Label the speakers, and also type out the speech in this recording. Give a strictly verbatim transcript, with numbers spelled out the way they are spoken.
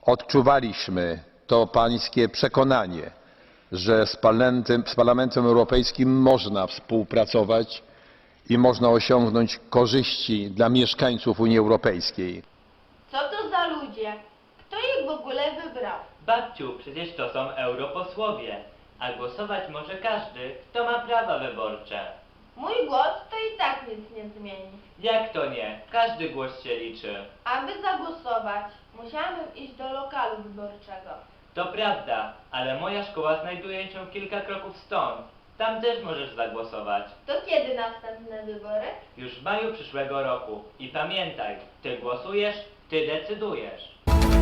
Speaker 1: odczuwaliśmy to pańskie przekonanie, że z Parlamentem, z Parlamentem Europejskim można współpracować i można osiągnąć korzyści dla mieszkańców Unii Europejskiej.
Speaker 2: Co to za ludzie? Kto ich w ogóle wybrał?
Speaker 3: Babciu, przecież to są europosłowie, a głosować może każdy, kto ma prawa wyborcze.
Speaker 2: Mój głos to i tak nic nie zmieni.
Speaker 3: Jak to nie? Każdy głos się liczy.
Speaker 2: Aby zagłosować, musiałabym iść do lokalu wyborczego.
Speaker 3: To prawda, ale moja szkoła znajduje się kilka kroków stąd. Tam też możesz zagłosować.
Speaker 2: To kiedy następne wybory?
Speaker 3: Już w maju przyszłego roku. I pamiętaj, ty głosujesz, ty decydujesz.